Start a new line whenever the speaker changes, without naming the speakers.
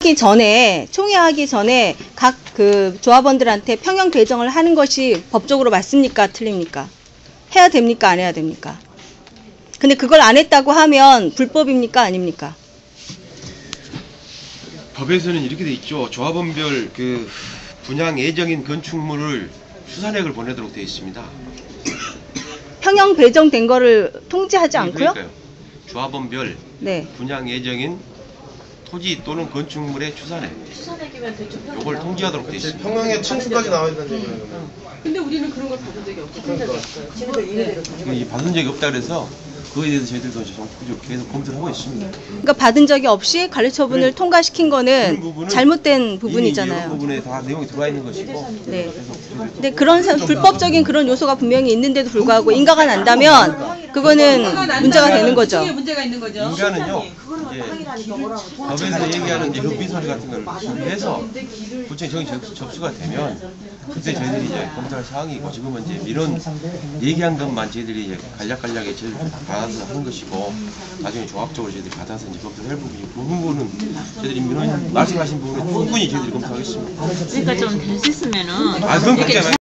총회하기 전에 각 그 조합원들한테 평형 배정을 하는 것이 법적으로 맞습니까? 틀립니까? 해야 됩니까? 안 해야 됩니까? 근데 그걸 안 했다고 하면 불법입니까? 아닙니까?
법에서는 이렇게 돼 있죠. 조합원별 그 분양 예정인 건축물을 수산액을 보내도록 되어 있습니다.
평형 배정된 거를 통지하지 않고요?
그러니까요. 조합원별
네.
분양 예정인 토지 또는 건축물의 추산액이면 대충 요걸 통지하도록 되어 있습니다.
평형에 층수까지 나와야 된다는 얘기예요.
근데 우리는 그런 걸 받은 적이 없어요.
이 받은 적이 없다 그래서 그거에 대해서 저희들도 계속 검토를 하고 있습니다.
그러니까 받은 적이 없이 관리처분을 통과시킨 거는 잘못된 부분이잖아요.
이런 부분에 다 내용이 들어와 있는 것이고.
네. 근데 그런 불법적인 그런 요소가 분명히 있는데도 불구하고 인가가 난다면 그거는 문제가 되는 거죠.
문제가 있는 거죠.
인가는요. 이제 법에서 얘기하는 이제 협의 소리 같은 걸 준비해서 구청에 접수가 되면 그때 저희들이 이제 검토할 사항이고 지금은 이제 민원 얘기한 것만 저희들이 이제 간략하게 저희들 받아서 하는 것이고 나중에 종합적으로 저희들이 받아서 이제 검토를 할 부분이고 그 부분은 저희들이 민원 말씀하신 부분에 충분히 저희들이 검토하겠습니다.
그러니까 좀 될 수 있으면은
그건